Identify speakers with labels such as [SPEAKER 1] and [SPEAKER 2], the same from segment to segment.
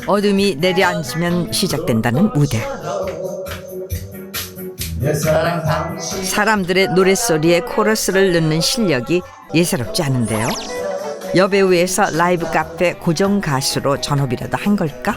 [SPEAKER 1] 어둠이 내려앉으면 시작된다는 무대. 사람들의 노랫소리에 코러스를 넣는 실력이 예사롭지 않은데요. 여배우에서 라이브 카페 고정 가수로 전업이라도 한 걸까?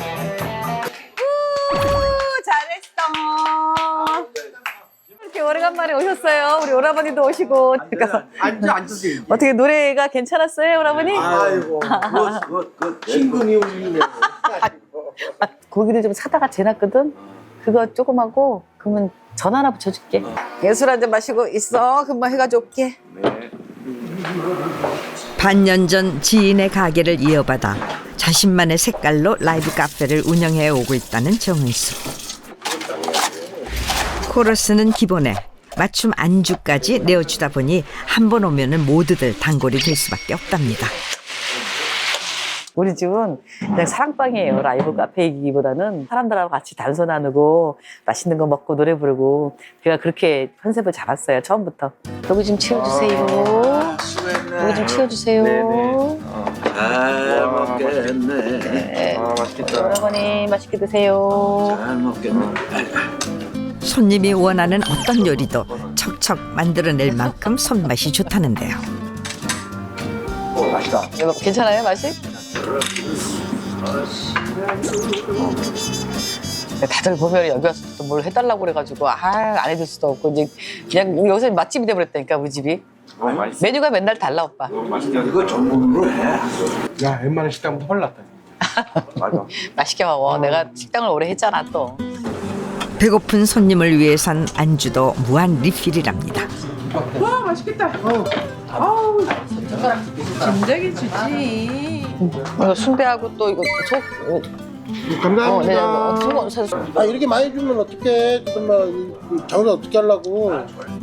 [SPEAKER 2] 잘했어. 이렇게 오래간만에 오셨어요. 우리 오라버니도 오시고. 그러니까
[SPEAKER 3] 앉으세요.
[SPEAKER 2] 어떻게 노래가 괜찮았어요, 오라버니?
[SPEAKER 3] 아이고, 그 친근이 울리네.
[SPEAKER 2] 고기를 좀 사다가 재놨거든. 그거 조금 하고 그러면 전 하나 붙여줄게. 술 한잔 마시고 있어. 금방 해가지고 올게.
[SPEAKER 1] 반년 전 지인의 가게를 이어받아 자신만의 색깔로 라이브 카페를 운영해 오고 있다는 정은수. 코러스는 기본에 맞춤 안주까지 내어주다 보니 한 번 오면은 모두들 단골이 될 수밖에 없답니다.
[SPEAKER 2] 우리 집은 그냥 사랑방이에요. 라이브 카페이기보다는 사람들하고 같이 단소 나누고 맛있는 거 먹고 노래 부르고 제가 그렇게 컨셉을 잡았어요. 처음부터. 여기 좀 치워주세요. 여기 좀 치워주세요.
[SPEAKER 3] 잘 먹겠네.
[SPEAKER 2] 네.
[SPEAKER 3] 맛있겠다.
[SPEAKER 2] 여러분이 맛있게 드세요.
[SPEAKER 3] 잘 먹겠네.
[SPEAKER 1] 손님이 원하는 어떤 요리도 척척 만들어낼 만큼 손맛이 좋다는데요.
[SPEAKER 3] 맛있다.
[SPEAKER 2] 이거 괜찮아요, 맛이? 다들 보면 여기 와서 또 뭘 해달라고 그래가지고 안 해줄 수도 없고 이제 그냥 여기서 맛집이 돼버렸다니까 우리 집이. 메뉴가 맨날 달라 오빠.
[SPEAKER 3] 이거 전문으로 해.
[SPEAKER 4] 야, 웬만한 식당보다 헐났다.
[SPEAKER 3] 맞아.
[SPEAKER 2] 맛있게 먹어. 내가 식당을 오래 했잖아 또.
[SPEAKER 1] 배고픈 손님을 위해선 안주도 무한 리필이랍니다.
[SPEAKER 5] 와 맛있겠다. 아우 진작에 주지.
[SPEAKER 2] 이거 순대하고 또 이거 속.
[SPEAKER 4] 감사합니다.
[SPEAKER 2] 속.
[SPEAKER 4] 아, 이렇게 많이 주면 어떡해. 정말 장사 어떻게 하려고.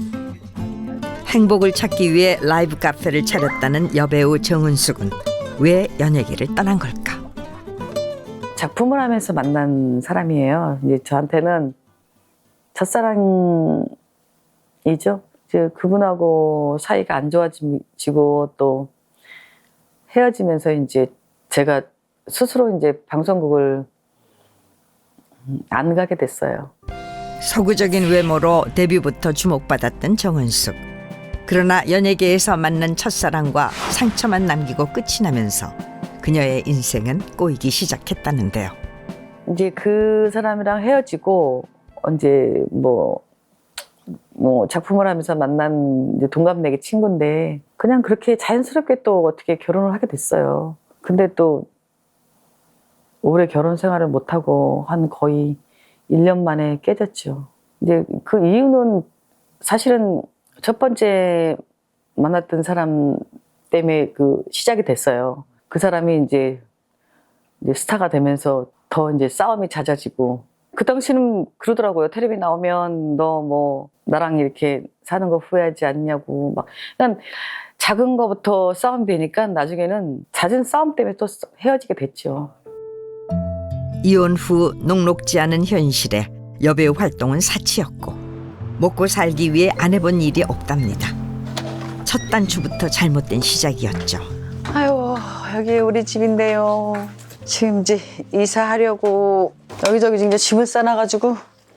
[SPEAKER 1] 행복을 찾기 위해 라이브 카페를 차렸다는 여배우 정은수 군. 왜 연예계를 떠난 걸까?
[SPEAKER 2] 작품을 하면서 만난 사람이에요. 이제 저한테는 첫사랑이죠. 이제 그분하고 사이가 안 좋아지고 또 헤어지면서 이제 제가 스스로 이제 방송국을 안 가게 됐어요.
[SPEAKER 1] 서구적인 외모로 데뷔부터 주목받았던 정은숙. 그러나 연예계에서 만난 첫사랑과 상처만 남기고 끝이 나면서 그녀의 인생은 꼬이기 시작했다는데요.
[SPEAKER 2] 이제 그 사람이랑 헤어지고 이제 뭐 작품을 하면서 만난 이제 동갑내기 친구인데 그냥 그렇게 자연스럽게 또 어떻게 결혼을 하게 됐어요. 근데 또 오래 결혼 생활을 못하고 한 거의 1년 만에 깨졌죠. 이제 그 이유는 사실은 첫 번째 만났던 사람 때문에 그 시작이 됐어요. 그 사람이 이제 스타가 되면서 더 이제 싸움이 잦아지고 그 당시는 그러더라고요. 텔레비 나오면 너 뭐 나랑 이렇게 사는 거 후회하지 않냐고 막 그냥 작은 거부터 싸움이 되니까 나중에는 잦은 싸움 때문에 또 헤어지게 됐죠.
[SPEAKER 1] 이혼 후 녹록지 않은 현실에 여배우 활동은 사치였고 먹고 살기 위해 안 해본 일이 없답니다. 첫 단추부터 잘못된 시작이었죠.
[SPEAKER 2] 아유 여기 우리 집인데요. 지금 이제 이사하려고 여기저기 이제 짐을 싸놔가지고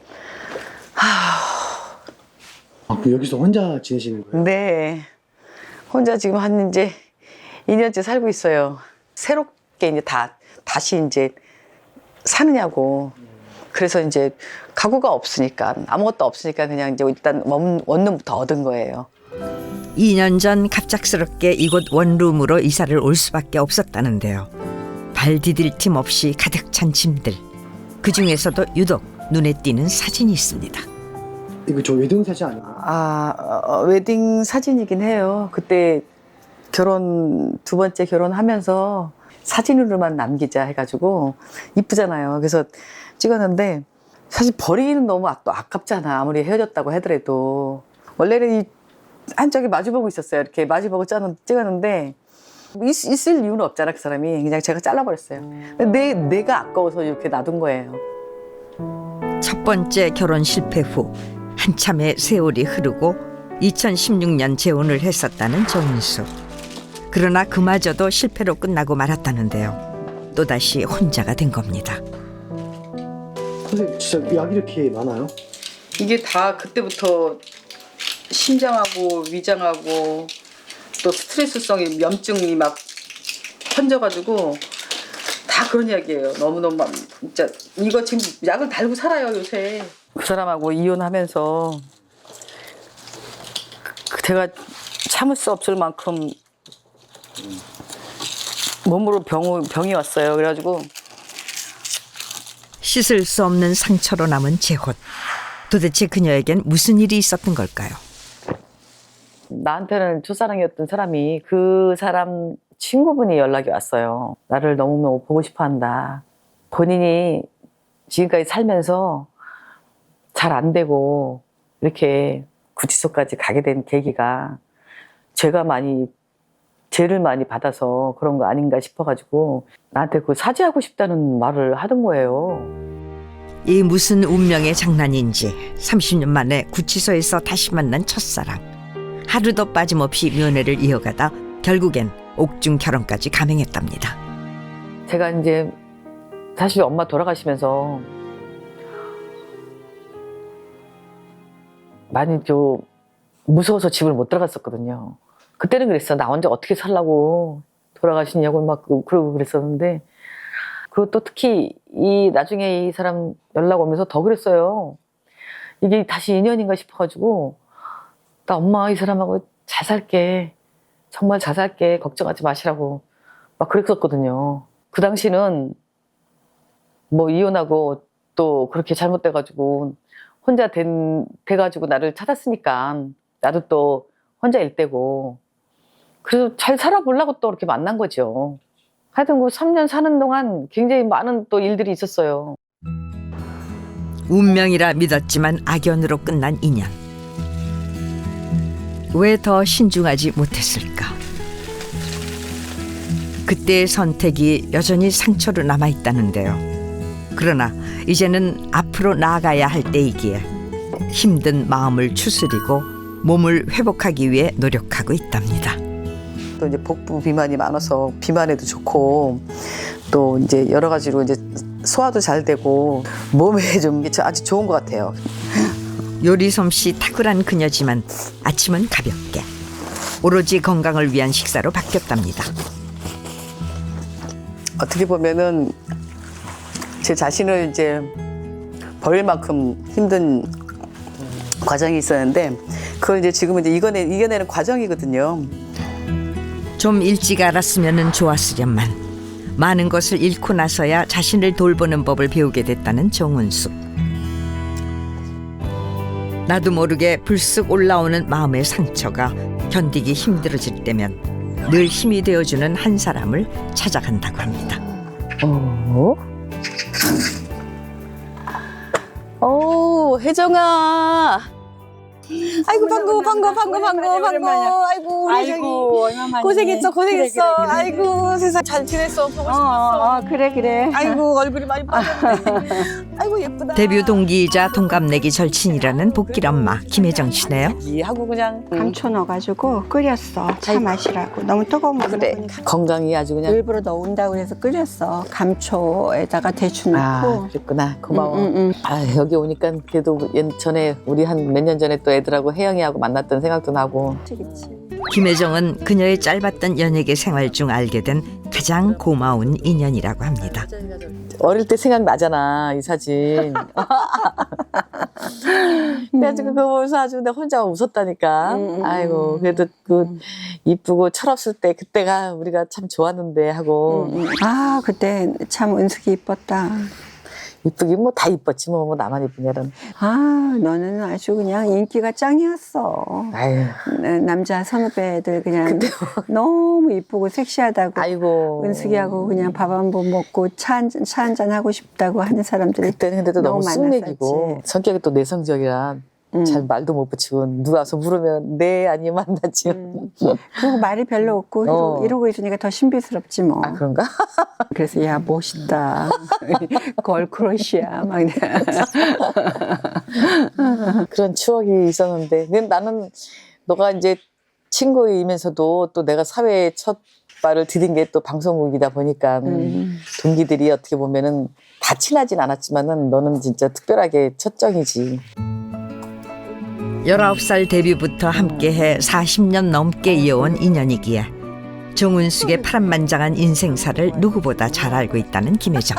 [SPEAKER 4] 여기서 혼자 지내시는 거예요?
[SPEAKER 2] 네 혼자 지금 한 이제 2년째 살고 있어요. 새롭게 이제 다시 이제 사느냐고. 그래서 이제 가구가 없으니까 아무것도 없으니까 그냥 이제 일단 원룸부터 얻은 거예요.
[SPEAKER 1] 2년 전 갑작스럽게 이곳 원룸으로 이사를 올 수밖에 없었다는데요. 발 디딜 틈 없이 가득 찬 짐들. 그중에서도 유독 눈에 띄는 사진이 있습니다.
[SPEAKER 4] 이거 저 웨딩 사진 아닌가요?
[SPEAKER 2] 웨딩 사진이긴 해요. 그때 두 번째 결혼하면서 사진으로만 남기자 해가지고 이쁘잖아요. 그래서 찍었는데 사실 버리기는 너무 또 아깝잖아. 아무리 헤어졌다고 하더라도. 원래는 이 한쪽이 마주보고 있었어요. 이렇게 마주보고 찍었는데 있을 이유는 없잖아. 그 사람이. 그냥 제가 잘라버렸어요. 내가 아까워서 이렇게 놔둔 거예요.
[SPEAKER 1] 첫 번째 결혼 실패 후 한참의 세월이 흐르고 2016년 재혼을 했었다는 정은수. 그러나 그마저도 실패로 끝나고 말았다는데요. 또다시 혼자가 된 겁니다.
[SPEAKER 6] 선생님 진짜 약이 이렇게 많아요?
[SPEAKER 7] 이게 다 그때부터 심장하고 위장하고 또 스트레스성의 염증이 막 퍼져가지고 다 그런 이야기예요. 너무너무 진짜 이거 지금 약을 달고 살아요 요새.
[SPEAKER 2] 그 사람하고 이혼하면서 제가 참을 수 없을 만큼 몸으로 병이 왔어요. 그래가지고
[SPEAKER 1] 씻을 수 없는 상처로 남은 재혼. 도대체 그녀에겐 무슨 일이 있었던 걸까요?
[SPEAKER 2] 나한테는 첫사랑이었던 사람이 그 사람 친구분이 연락이 왔어요. 나를 너무 보고 싶어 한다. 본인이 지금까지 살면서 잘 안 되고 이렇게 구치소까지 가게 된 계기가 죄를 많이 받아서 그런 거 아닌가 싶어가지고 나한테 그 사죄하고 싶다는 말을 하던 거예요.
[SPEAKER 1] 이 무슨 운명의 장난인지 30년 만에 구치소에서 다시 만난 첫사랑. 하루도 빠짐없이 면회를 이어가다 결국엔 옥중 결혼까지 감행했답니다.
[SPEAKER 2] 제가 이제 사실 엄마 돌아가시면서 많이 좀 무서워서 집을 못 들어갔었거든요. 그때는 그랬어. 나 혼자 어떻게 살라고 돌아가시냐고 막 그러고 그랬었는데 그것도 특히 나중에 이 사람 연락 오면서 더 그랬어요. 이게 다시 인연인가 싶어가지고 나 엄마 이 사람하고 잘 살게. 정말 잘 살게. 걱정하지 마시라고 막 그랬었거든요. 그 당시는 뭐 이혼하고 또 그렇게 잘못돼가지고 혼자 돼가지고 나를 찾았으니까 나도 또 혼자일 때고 그래서 잘 살아보려고 또 이렇게 만난 거죠. 하여튼 그 3년 사는 동안 굉장히 많은 또 일들이 있었어요.
[SPEAKER 1] 운명이라 믿었지만 악연으로 끝난 인연. 왜 더 신중하지 못했을까? 그때의 선택이 여전히 상처로 남아있다는데요. 그러나 이제는 앞으로 나아가야 할 때이기에 힘든 마음을 추스리고 몸을 회복하기 위해 노력하고 있답니다.
[SPEAKER 2] 또 이제 복부 비만이 많아서 비만에도 좋고 또 이제 여러 가지로 이제 소화도 잘 되고 몸에 좀 아주 좋은 것 같아요.
[SPEAKER 1] 요리 솜씨 탁월한 그녀지만 아침은 가볍게 오로지 건강을 위한 식사로 바뀌었답니다.
[SPEAKER 2] 어떻게 보면은 제 자신을 이제 버릴 만큼 힘든 과정이 있었는데 그걸 이제 지금은 이제 이겨내는 과정이거든요.
[SPEAKER 1] 좀 일찍 알았으면 좋았으련만 많은 것을 잃고 나서야 자신을 돌보는 법을 배우게 됐다는 정은숙. 나도 모르게 불쑥 올라오는 마음의 상처가 견디기 힘들어질 때면 늘 힘이 되어주는 한 사람을 찾아간다고 합니다.
[SPEAKER 2] 혜정아. 아이고 반가워. 아이고 우리 저기 고생했어.
[SPEAKER 8] 그래.
[SPEAKER 2] 아이고 세상 잘 지냈어. 보고 싶었어.
[SPEAKER 8] 그래.
[SPEAKER 2] 아이고 얼굴이 많이 빠졌네. 아이고 예쁘다.
[SPEAKER 1] 데뷔 동기이자 동갑내기 절친이라는 복길 엄마 김혜정 씨네요.
[SPEAKER 2] 하고 그냥
[SPEAKER 8] 감초 넣어가지고 끓였어. 차 마시라고. 너무 뜨거우면
[SPEAKER 2] 그래
[SPEAKER 8] 먹으니까.
[SPEAKER 2] 건강이 아주 그냥.
[SPEAKER 8] 일부러 넣은다고 해서 끓였어. 감초에다가 대추 넣고.
[SPEAKER 2] 그랬구나. 고마워.
[SPEAKER 8] 응.
[SPEAKER 2] 아 여기 오니까 그래도 전에 우리 한 몇 년 전에 또 애들하고 혜영이하고 만났던 생각도 나고.
[SPEAKER 8] 그치.
[SPEAKER 1] 김혜정은 그녀의 짧았던 연예계 생활 중 알게 된 가장 고마운 인연이라고 합니다.
[SPEAKER 2] 어릴 때 생각나잖아 이 사진. 그래가지고 그거 보면서 아주 내가 혼자 웃었다니까. 아이고 그래도 그 이쁘고 철없을 때 그때가 우리가 참 좋았는데 하고.
[SPEAKER 8] 아 그때 참 은숙이 이뻤다.
[SPEAKER 2] 이쁘긴 뭐 다 이뻤지 뭐 나만 이쁘냐는.
[SPEAKER 8] 아 너는 아주 그냥 인기가 짱이었어.
[SPEAKER 2] 아유.
[SPEAKER 8] 남자 선후배들 그냥 너무 이쁘고 섹시하다고.
[SPEAKER 2] 아이고.
[SPEAKER 8] 은숙이하고 그냥 밥 한 번 먹고 차 한 잔 하고 싶다고 하는 사람들이
[SPEAKER 2] 그때는 근데도 너무 쑥맥이고
[SPEAKER 8] 만났었지.
[SPEAKER 2] 성격이 또 내성적이라 잘 말도 못 붙이고 누가 와서 물으면 네 아니면 만나지.
[SPEAKER 8] 그리고 말이 별로 없고 이러고 있으니까 더 신비스럽지 뭐.
[SPEAKER 2] 아 그런가?
[SPEAKER 8] 그래서 야 멋있다. 걸크러쉬야 막.
[SPEAKER 2] 그런 추억이 있었는데 근데 나는 너가 이제 친구이면서도 또 내가 사회에 첫 말을 드린 게 또 방송국이다 보니까 동기들이 어떻게 보면은 다 친하진 않았지만은 너는 진짜 특별하게 첫정이지.
[SPEAKER 1] 19살 데뷔부터 함께해 40년 넘게 이어온 인연이기에 정운숙의 파란만장한 인생사를 누구보다 잘 알고 있다는 김혜정.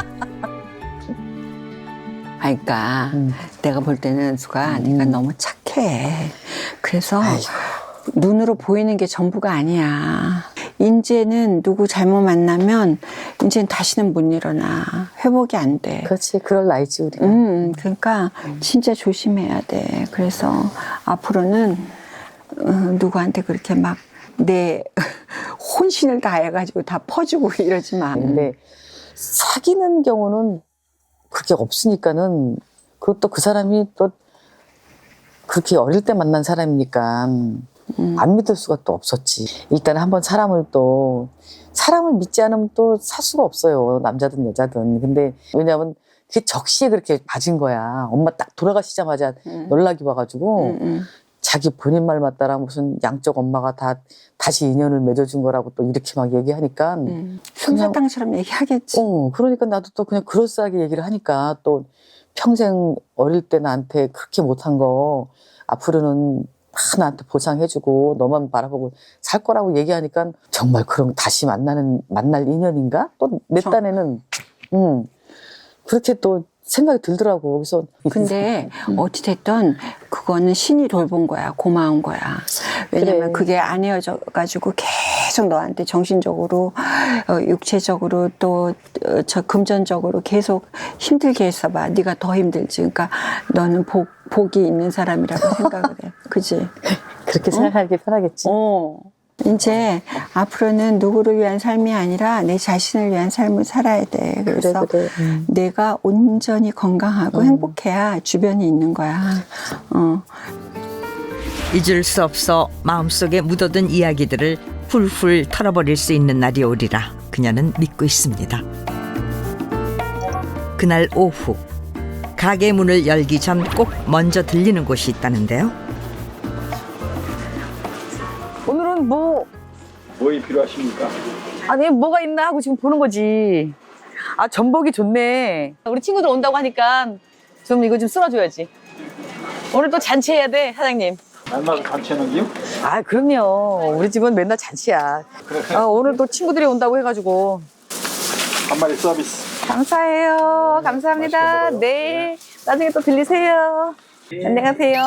[SPEAKER 8] 그러니까 내가 볼 때는 수가 네가 너무 착해. 그래서 눈으로 보이는 게 전부가 아니야. 이제는 누구 잘못 만나면 이제는 다시는 못 일어나. 회복이 안 돼.
[SPEAKER 2] 그렇지, 그럴 나이지 우리가.
[SPEAKER 8] 그러니까 진짜 조심해야 돼. 그래서 앞으로는 누구한테 그렇게 막 내 혼신을 다해가지고 다 퍼주고 이러지 마.
[SPEAKER 2] 근데 사귀는 경우는 그렇게 없으니까는 그것도 그 사람이 또 그렇게 어릴 때 만난 사람이니까 안 믿을 수가 또 없었지. 일단 한번 사람을 믿지 않으면 또 살 수가 없어요. 남자든 여자든. 근데 왜냐하면 그게 적시에 그렇게 맞은 거야. 엄마 딱 돌아가시자마자 연락이 와가지고 자기 본인 말 맞다라 무슨 양쪽 엄마가 다시 인연을 맺어준 거라고 또 이렇게 막 얘기하니까
[SPEAKER 8] 솜사탕처럼 얘기하겠지.
[SPEAKER 2] 그러니까 나도 또 그냥 그럴싸하게 얘기를 하니까 또 평생 어릴 때 나한테 그렇게 못한 거 앞으로는 다 나한테 보상해주고 너만 바라보고 살 거라고 얘기하니까 정말 그런 다시 만날 인연인가? 또 내 딴에는 그렇게 또 생각이 들더라고. 그래서
[SPEAKER 8] 근데 어찌됐든 그거는 신이 돌본 거야. 고마운 거야. 왜냐면
[SPEAKER 2] 그래.
[SPEAKER 8] 그게 안 헤어져가지고 계속 너한테 정신적으로, 육체적으로 또 저 금전적으로 계속 힘들게 했어봐. 네가 더 힘들지. 그러니까 너는 복이 있는 사람이라고 생각을 해. 그지?
[SPEAKER 2] 그렇게 생각하기 편하겠지.
[SPEAKER 8] 이제 앞으로는 누구를 위한 삶이 아니라 내 자신을 위한 삶을 살아야 돼. 그래서
[SPEAKER 2] 그래.
[SPEAKER 8] 내가 온전히 건강하고 행복해야 주변이 있는 거야.
[SPEAKER 1] 잊을 수 없어 마음속에 묻어둔 이야기들을 훌훌 털어버릴 수 있는 날이 오리라 그녀는 믿고 있습니다. 그날 오후 가게 문을 열기 전 꼭 먼저 들리는 곳이 있다는데요.
[SPEAKER 2] 오늘은
[SPEAKER 3] 뭐이 필요하십니까?
[SPEAKER 2] 아니 뭐가 있나 하고 지금 보는 거지. 아 전복이 좋네. 우리 친구들 온다고 하니까 좀 이거 좀 쓸어줘야지. 오늘 또 잔치해야 돼 사장님.
[SPEAKER 3] 날마다 잔치하는기요?
[SPEAKER 2] 아 그럼요. 우리 집은 맨날 잔치야. 오늘 또 친구들이 온다고 해가지고.
[SPEAKER 3] 한 마리 서비스.
[SPEAKER 2] 감사해요. 감사합니다.
[SPEAKER 3] 맛있게 먹어요.
[SPEAKER 2] 네. 나중에 또 들리세요. 안녕하세요.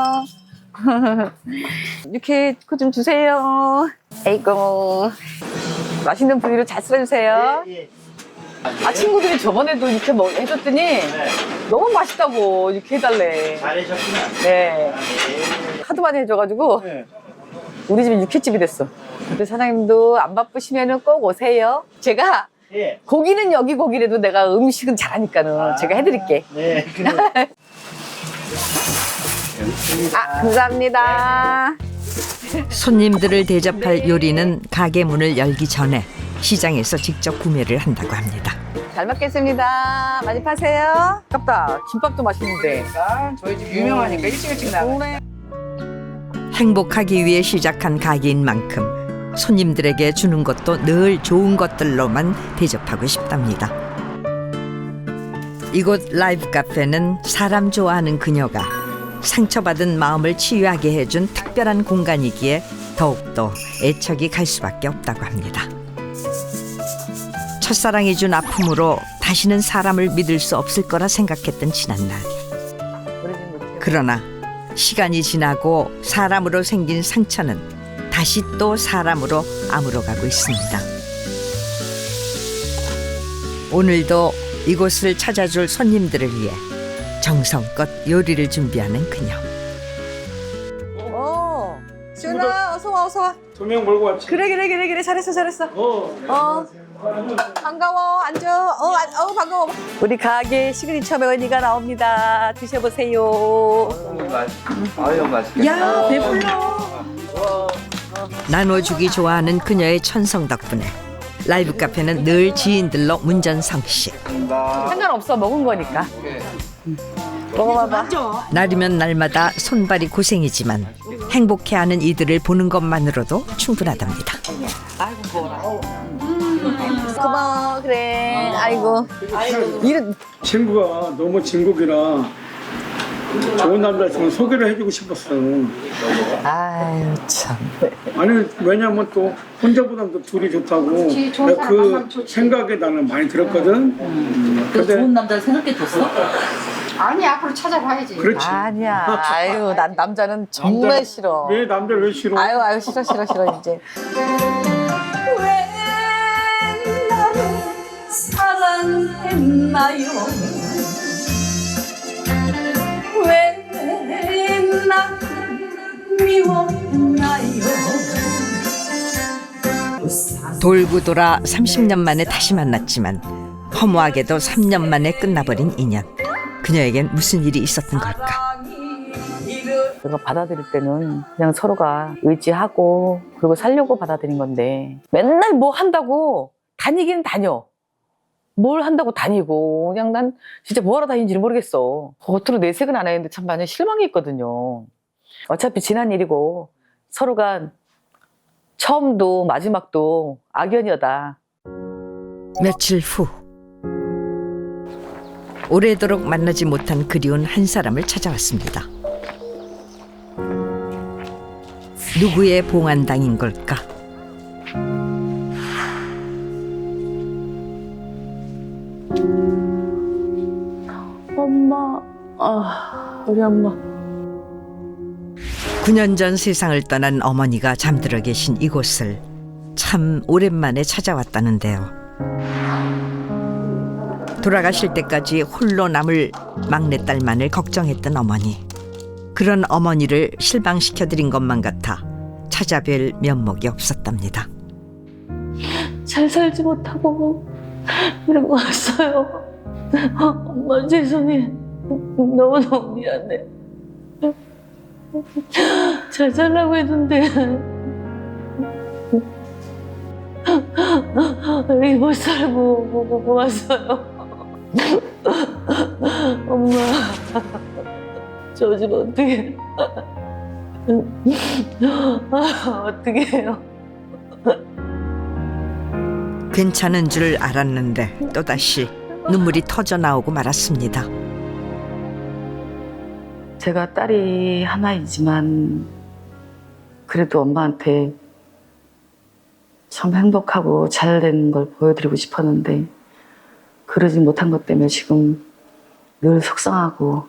[SPEAKER 2] 이렇게 그 좀 주세요. 에이고. 맛있는 부위로 잘 썰어주세요. 아 친구들이 저번에도 이렇게 해줬더니 너무 맛있다고 이렇게 해달래.
[SPEAKER 6] 잘하셨구나.
[SPEAKER 2] 네. 하도 많이 해줘가지고 우리 집이 육회집이 됐어. 근데 사장님도 안 바쁘시면은 꼭 오세요. 제가
[SPEAKER 6] 예.
[SPEAKER 2] 고기는 여기 고기라도 내가 음식은 잘하니까는 제가 해드릴게.
[SPEAKER 6] 네.
[SPEAKER 2] 감사합니다.
[SPEAKER 1] 손님들을 대접할 요리는 가게 문을 열기 전에 시장에서 직접 구매를 한다고 합니다.
[SPEAKER 2] 잘 먹겠습니다. 많이 파세요. 아깝다. 김밥도 맛있는데.
[SPEAKER 5] 저희 집 유명하니까 일찍 나가.
[SPEAKER 1] 행복하기 위해 시작한 가게인 만큼 손님들에게 주는 것도 늘 좋은 것들로만 대접하고 싶답니다. 이곳 라이브 카페는 사람 좋아하는 그녀가 상처받은 마음을 치유하게 해준 특별한 공간이기에 더욱더 애착이 갈 수밖에 없다고 합니다. 첫사랑이 준 아픔으로 다시는 사람을 믿을 수 없을 거라 생각했던 지난날. 그러나 시간이 지나고 사람으로 생긴 상처는 다시 또 사람으로 아물어가고 있습니다. 오늘도 이곳을 찾아줄 손님들을 위해 정성껏 요리를 준비하는 그녀.
[SPEAKER 2] 지훈아 어서 와 어서 와.
[SPEAKER 3] 조명 몰고 왔지?
[SPEAKER 2] 그래 잘했어. 반가워 앉아. 반가워. 우리 가게 시그니처 메뉴가 나옵니다. 드셔보세요.
[SPEAKER 3] 아유 맛있겠다.
[SPEAKER 2] 야 배불러.
[SPEAKER 1] 나눠주기 좋아하는 그녀의 천성 덕분에 라이브 카페는 늘 지인들로 문전성시.
[SPEAKER 2] 상관없어 먹은 거니까. 먹어봐봐.
[SPEAKER 1] 날이면 날마다 손발이 고생이지만 행복해하는 이들을 보는 것만으로도 충분하답니다.
[SPEAKER 2] 아이고 먹어라. 고마워 그래. 아이고. 이런
[SPEAKER 9] 친구가 너무 진국이라 좋은 남자 있으면 소개를 해주고 싶었어.
[SPEAKER 2] 아유 참.
[SPEAKER 9] 아니 왜냐면 또 혼자보다도 둘이 좋다고 내가 그 생각에 나는 많이 들었거든. 근데
[SPEAKER 10] 남자를 생각해줬어?
[SPEAKER 5] 아니 앞으로 찾아봐야지.
[SPEAKER 9] 그렇지.
[SPEAKER 2] 아니야. 아유 난 남자는 정말 싫어.
[SPEAKER 9] 왜 남자를 왜 싫어?
[SPEAKER 2] 아유 싫어 이제.
[SPEAKER 10] 왜 나를 사랑했나요? 왜 나를 미워했나요?
[SPEAKER 1] 돌고 돌아 30년 만에 다시 만났지만 허무하게도 3년 만에 끝나버린 인연. 그녀에겐 무슨 일이 있었던 걸까?
[SPEAKER 2] 내가 받아들일 때는 그냥 서로가 의지하고 그리고 살려고 받아들인 건데 맨날 뭐 한다고 다니기는 다녀. 뭘 한다고 다니고 그냥 난 진짜 뭐하러 다니는지 모르겠어. 겉으로 내색은 안 했는데 참 많이 실망이 있거든요. 어차피 지난 일이고 서로가 처음도 마지막도 악연이었다.
[SPEAKER 1] 며칠 후 오래도록 만나지 못한 그리운 한 사람을 찾아왔습니다. 누구의 봉안당인 걸까?
[SPEAKER 2] 엄마, 우리 엄마.
[SPEAKER 1] 9년 전 세상을 떠난 어머니가 잠들어 계신 이곳을 참 오랜만에 찾아왔다는데요. 돌아가실 때까지 홀로 남을 막내딸만을 걱정했던 어머니. 그런 어머니를 실망시켜드린 것만 같아 찾아뵐 면목이 없었답니다.
[SPEAKER 10] 잘 살지 못하고 이러고 왔어요. 엄마 죄송해. 너무너무 미안해. 잘 살라고 했는데 이렇게 못 살고 왔어요. 엄마 저 집 어떻게 어떻게 해요?
[SPEAKER 1] 괜찮은 줄 알았는데 또다시 눈물이 터져 나오고 말았습니다.
[SPEAKER 2] 제가 딸이 하나이지만 그래도 엄마한테 참 행복하고 잘된 걸 보여드리고 싶었는데 그러지 못한 것 때문에 지금 늘 속상하고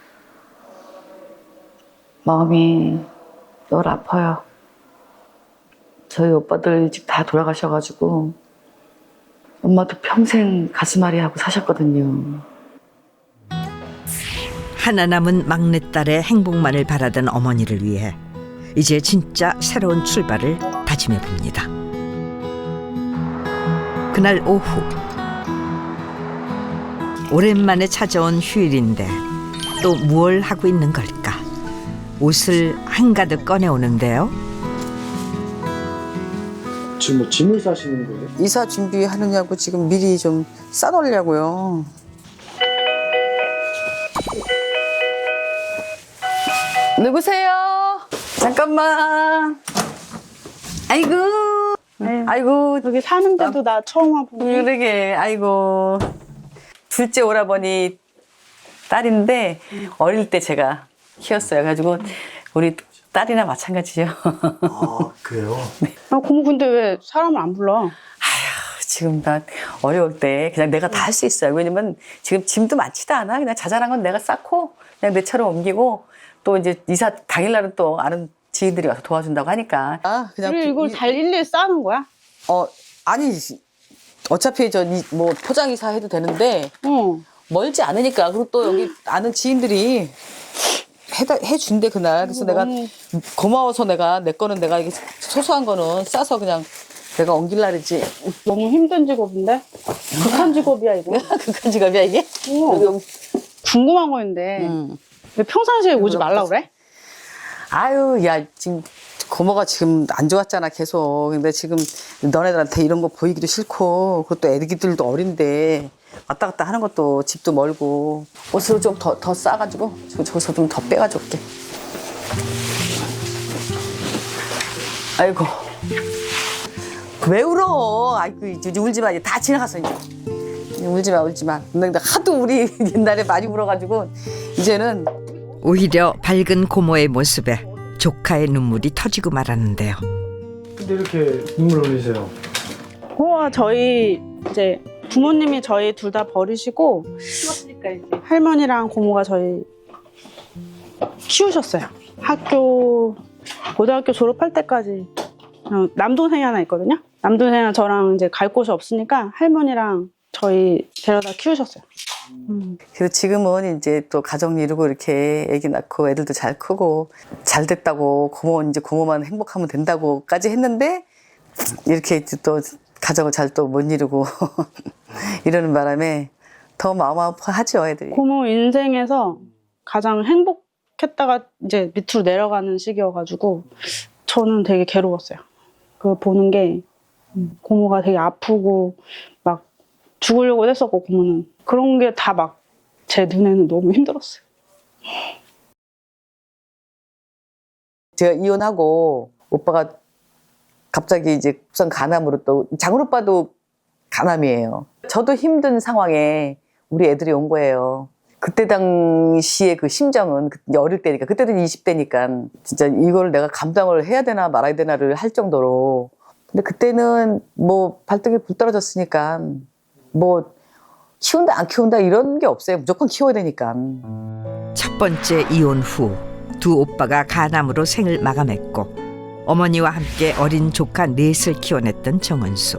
[SPEAKER 2] 마음이 늘 아파요. 저희 오빠들 일찍 다 돌아가셔가지고 엄마도 평생 가슴앓이 하고 사셨거든요.
[SPEAKER 1] 하나 남은 막내딸의 행복만을 바라던 어머니를 위해 이제 진짜 새로운 출발을 다짐해 봅니다. 그날 오후 오랜만에 찾아온 휴일인데 또 무얼 하고 있는 걸까? 옷을 한가득 꺼내오는데요.
[SPEAKER 6] 지금 뭐 짐을 싸시는 거예요?
[SPEAKER 7] 이사 준비하느냐고 지금 미리 좀 싸놓으려고요. 누구세요? 잠깐만. 아이고.
[SPEAKER 11] 여기 사는데도 나 처음 와보네.
[SPEAKER 2] 그러게. 아이고. 둘째 오라버니 딸인데 어릴 때 제가 키웠어요. 그래가지고 우리 딸이나 마찬가지죠.
[SPEAKER 6] 아 그래요?
[SPEAKER 11] 아, 고모 근데 왜 사람을 안 불러?
[SPEAKER 2] 지금 나 어려울 때 그냥 내가 다 할 수 있어요. 왜냐면 지금 짐도 많지도 않아. 그냥 자잘한 건 내가 쌓고 그냥 내 차로 옮기고 또 이제 이사 당일날은 또 아는 지인들이 와서 도와준다고 하니까. 그냥
[SPEAKER 11] 그래 이걸 잘 일일이 싸는 거야?
[SPEAKER 2] 아니 어차피 뭐 포장이사 해도 되는데 멀지 않으니까. 그리고 또 여기 아는 지인들이 해준대 그날. 그래서 내가 고마워서 내 거는 내가 이게 소소한 거는 싸서 그냥 내가 옮길 날이지.
[SPEAKER 11] 너무 힘든 직업인데? 극한 직업이야 이거.
[SPEAKER 2] 극한 직업이야 이게?
[SPEAKER 11] 궁금한 거인데 왜 평상시에 오지 말라 그래?
[SPEAKER 2] 아유 야 지금 고모가 지금 안 좋았잖아 계속. 근데 지금 너네들한테 이런 거 보이기도 싫고 그것도 애기들도 어린데 왔다 갔다 하는 것도 집도 멀고 옷을 좀 더 싸가지고 저기서 좀 더 빼가지고 올게. 아이고
[SPEAKER 7] 왜 울어? 아이고 이제 울지 마. 이제 다 지나갔어 이제. 울지 마, 울지 마. 근데 하도 우리 옛날에 많이 울어가지고 이제는
[SPEAKER 1] 오히려 밝은 고모의 모습에 조카의 눈물이 터지고 말았는데요.
[SPEAKER 6] 근데 이렇게 눈물 흘리세요?
[SPEAKER 11] 저희 이제 부모님이 저희 둘 다 버리시고 할머니랑 고모가 저희 키우셨어요. 고등학교 졸업할 때까지 남동생이 하나 있거든요. 남동생이랑 저랑 이제 갈 곳이 없으니까 할머니랑 저희 데려다 키우셨어요.
[SPEAKER 7] 그래서 지금은 이제 또 가정 이루고 이렇게 아기 낳고 애들도 잘 크고 잘 됐다고 이제 고모만 행복하면 된다고까지 했는데 이렇게 또 가정을 잘 또 못 이루고 이러는 바람에 더 마음 아파하죠 애들이.
[SPEAKER 11] 고모 인생에서 가장 행복했다가 이제 밑으로 내려가는 시기여가지고 저는 되게 괴로웠어요. 그걸 보는 게 고모가 되게 아프고 막 죽으려고 했었고 고모는 그런 게 다 막 제 눈에는 너무 힘들었어요.
[SPEAKER 7] 제가 이혼하고 오빠가 갑자기 이제 급성 간암으로 또 장훈 오빠도 간암이에요. 저도 힘든 상황에 우리 애들이 온 거예요. 그때 당시에 그 심정은 어릴 때니까 그때도 20대니까 진짜 이걸 내가 감당을 해야 되나 말아야 되나를 할 정도로. 근데 그때는 뭐 발등에 불 떨어졌으니까 뭐 키운다 안 키운다 이런 게 없어요. 무조건 키워야 되니까.
[SPEAKER 1] 첫 번째 이혼 후 두 오빠가 간암으로 생을 마감했고 어머니와 함께 어린 조카 넷을 키워냈던 정은수.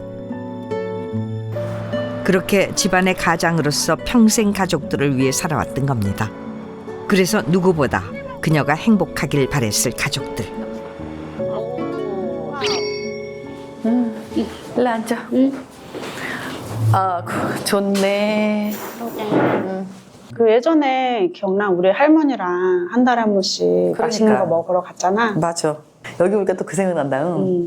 [SPEAKER 1] 그렇게 집안의 가장으로서 평생 가족들을 위해 살아왔던 겁니다. 그래서 누구보다 그녀가 행복하길 바랬을 가족들.
[SPEAKER 7] 일로 앉아. 아, 좋네.
[SPEAKER 11] 그 예전에 기억나? 우리 할머니랑 한 달에 한 번씩 맛있는 거 먹으러 갔잖아.
[SPEAKER 7] 맞아. 여기 오니까 또 그 생각난다.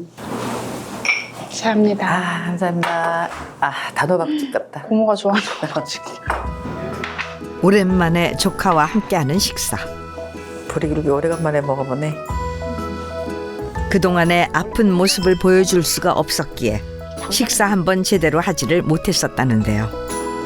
[SPEAKER 11] 감사합니다.
[SPEAKER 7] 아, 감사합니다. 아, 단호박집 같다.
[SPEAKER 11] 고모가 좋아하는 거 가지고.
[SPEAKER 1] 오랜만에 조카와 함께하는 식사.
[SPEAKER 7] 보리굴비 오래간만에 먹어보네.
[SPEAKER 1] 그동안의 아픈 모습을 보여줄 수가 없었기에 식사 한 번 제대로 하지를 못했었다는데요.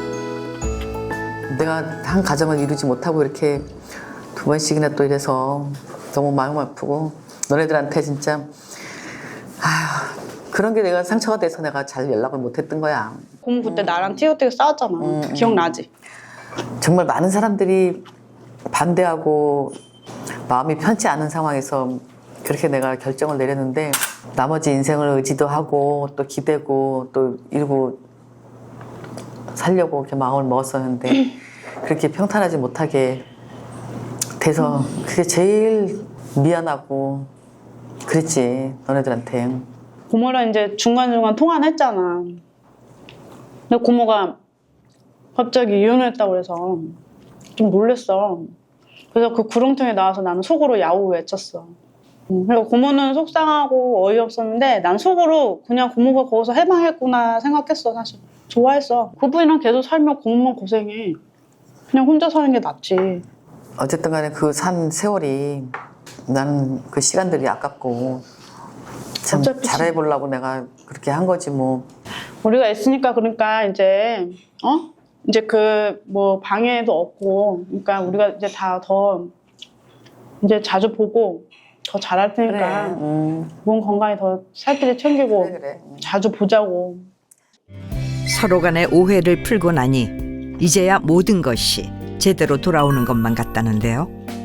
[SPEAKER 7] 내가 한 가정을 이루지 못하고 이렇게 두 번씩이나 또 이래서 너무 마음 아프고 너네들한테 진짜 아휴 그런 게 내가 상처가 돼서 내가 잘 연락을 못했던 거야.
[SPEAKER 11] 고모 그때 나랑 띄어띄어 싸웠잖아. 기억나지?
[SPEAKER 7] 정말 많은 사람들이 반대하고 마음이 편치 않은 상황에서 그렇게 내가 결정을 내렸는데 나머지 인생을 의지도 하고 또 기대고 또 이루고 살려고 이렇게 마음을 먹었었는데 그렇게 평탄하지 못하게 돼서 그게 제일 미안하고 그랬지 너네들한테.
[SPEAKER 11] 고모랑 이제 중간중간 통화는 했잖아. 근데 고모가 갑자기 이혼을 했다고 그래서 좀 놀랬어. 그래서 그 구렁텅이에 나와서 나는 속으로 야우 외쳤어. 그리고 고모는 속상하고 어이없었는데 난 속으로 그냥 고모가 거기서 해방했구나 생각했어. 사실 좋아했어. 그분이랑 계속 살면 고모만 고생해. 그냥 혼자 사는 게 낫지.
[SPEAKER 7] 어쨌든 간에 그 산 세월이 나는 그 시간들이 아깝고 참 잘해보려고 내가 그렇게 한 거지 뭐.
[SPEAKER 11] 우리가 있으니까 그러니까 이제 이제 그 뭐 방해도 없고 그러니까 우리가 이제 다 더 이제 자주 보고 더 잘할 테니까 몸 건강히 더 살뜰히 챙기고 자주 보자고.
[SPEAKER 1] 서로 간의 오해를 풀고 나니 이제야 모든 것이 제대로 돌아오는 것만 같다는데요.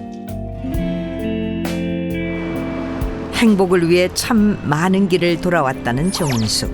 [SPEAKER 1] 행복을 위해 참 많은 길을 돌아왔다는 정은수.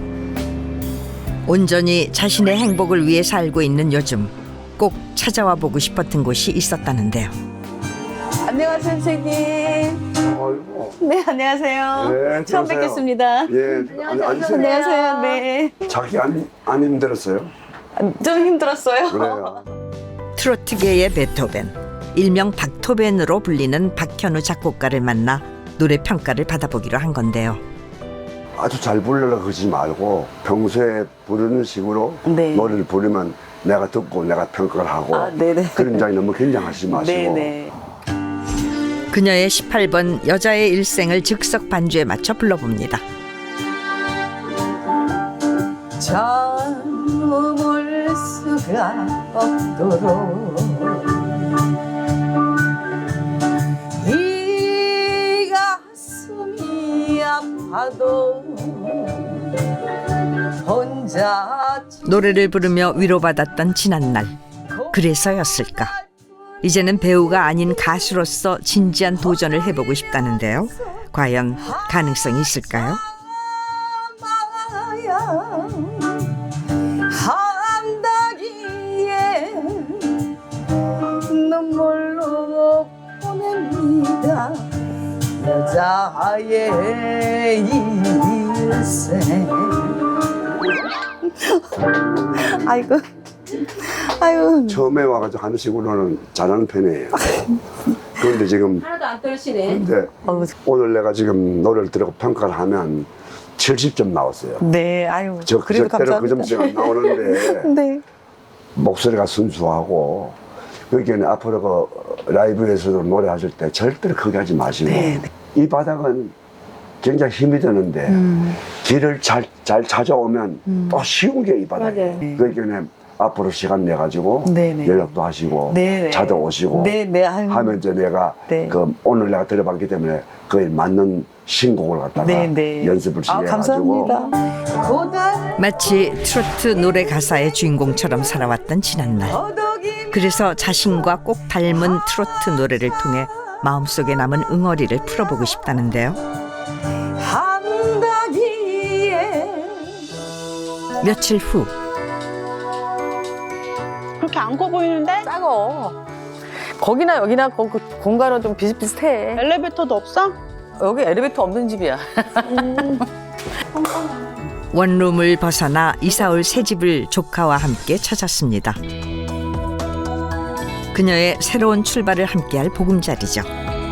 [SPEAKER 1] 온전히 자신의 행복을 위해 살고 있는 요즘 꼭 찾아와 보고 싶었던 곳이 있었다는데요.
[SPEAKER 7] 안녕하세요 선생님.
[SPEAKER 3] 아이고.
[SPEAKER 7] 네 안녕하세요.
[SPEAKER 3] 네,
[SPEAKER 7] 처음
[SPEAKER 3] 들어오세요.
[SPEAKER 7] 뵙겠습니다.
[SPEAKER 3] 예, 앉으세요.
[SPEAKER 7] 안녕하세요. 네.
[SPEAKER 3] 자기 안 힘들었어요?
[SPEAKER 7] 좀 힘들었어요.
[SPEAKER 3] 그래요.
[SPEAKER 1] 트로트계의 베토벤, 일명 박토벤으로 불리는 박현우 작곡가를 만나 노래 평가를 받아보기로 한 건데요.
[SPEAKER 12] 아주 잘 부르려고 그러지 말고 평소에 부르는 식으로
[SPEAKER 7] 네.
[SPEAKER 12] 노래를 부르면 내가 듣고 내가 평가를 하고 그런 장이 너무 긴장하지 마시고.
[SPEAKER 7] 네네.
[SPEAKER 1] 그녀의 18번 여자의 일생을 즉석 반주에 맞춰 불러봅니다.
[SPEAKER 7] 잠을 수가 없도록 이 가슴이 아파도 혼자
[SPEAKER 1] 노래를 부르며 위로받았던 지난날. 그래서였을까? 이제는 배우가 아닌 가수로서 진지한 도전을 해보고 싶다는데요. 과연 가능성이 있을까요?
[SPEAKER 7] 한다기에 눈물로 보냅니다. 여자의 일생. 아이고, 아유.
[SPEAKER 12] 처음에 와가지고 하는 식으로는 잘하는 편이에요. 그런데 지금
[SPEAKER 10] 하나도 안 떨리네.
[SPEAKER 12] 근데 오늘 내가 지금 노래를 들고 평가를 하면 70점 나왔어요.
[SPEAKER 7] 네, 아유.
[SPEAKER 12] 그래도 감사합니다. 그 점수가 나오는데
[SPEAKER 7] 네.
[SPEAKER 12] 목소리가 순수하고 그러니까 앞으로 그 라이브에서도 노래하실 때 절대로 크게 하지 마시고 이 바닥은 굉장히 힘이 드는데 길을 잘 찾아오면 또 쉬운 게 이 바닥이에요. 그러니까 앞으로 시간 내가지고 연락도 하시고 찾아오시고 하면 이제 내가 그 오늘 내가 들어봤기 때문에 그에 맞는 신곡을 갖다가 연습을 시켜가지고
[SPEAKER 1] 마치 트로트 노래 가사의 주인공처럼 살아왔던 지난날. 그래서 자신과 꼭 닮은 트로트 노래를 통해 마음속에 남은 응어리를 풀어보고 싶다는데요. 며칠 후
[SPEAKER 11] 그렇게 안 커 보이는데?
[SPEAKER 7] 작어. 거기나 여기나 공간은 좀 비슷비슷해.
[SPEAKER 11] 엘리베이터도 없어?
[SPEAKER 7] 여기 엘리베이터 없는 집이야.
[SPEAKER 1] 원룸을 벗어나 이사올 새 집을 조카와 함께 찾았습니다. 그녀의 새로운 출발을 함께할 보금자리죠.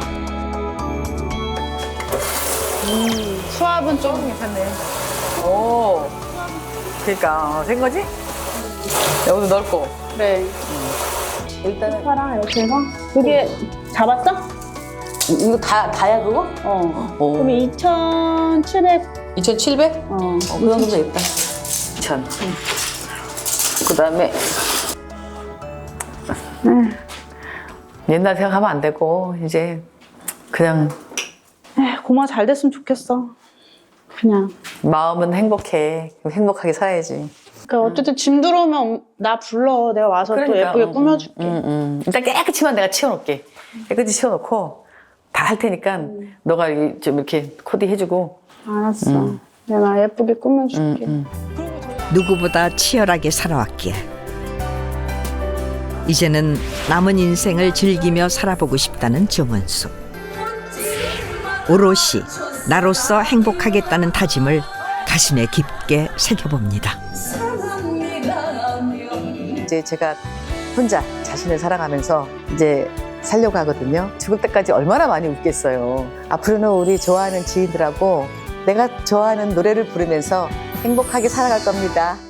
[SPEAKER 11] 수압은 좀 괜찮네.
[SPEAKER 7] 오, 그러니까 된 거지? 여기도 넓고.
[SPEAKER 11] 네.
[SPEAKER 7] 일단은
[SPEAKER 11] 파랑 이렇게 해서 그게 잡았어?
[SPEAKER 7] 이거 다야 그거?
[SPEAKER 11] 그럼 2,700.
[SPEAKER 7] 2,700? 그 정도면 되겠다. 2,000. 그다음에 옛날 생각하면 안 되고 이제 그냥
[SPEAKER 11] 고마 잘 됐으면 좋겠어. 그냥
[SPEAKER 7] 마음은 행복해. 행복하게 살아야지.
[SPEAKER 11] 그러니까 어쨌든 짐 들어오면 나 불러. 내가 와서 또 예쁘게 꾸며줄게.
[SPEAKER 7] 일단 깨끗이만 내가 치워놓을게. 깨끗이 치워놓고 다 할 테니까 너가 좀 이렇게 코디 해주고.
[SPEAKER 11] 알았어. 내가 예쁘게 꾸며줄게.
[SPEAKER 1] 누구보다 치열하게 살아왔기에 이제는 남은 인생을 즐기며 살아보고 싶다는 정은수. 오롯이 나로서 행복하겠다는 다짐을 가슴에 깊게 새겨봅니다.
[SPEAKER 7] 이제 제가 혼자 자신을 사랑하면서 이제 살려고 하거든요. 죽을 때까지 얼마나 많이 웃겠어요. 앞으로는 우리 좋아하는 지인들하고 내가 좋아하는 노래를 부르면서 행복하게 살아갈 겁니다.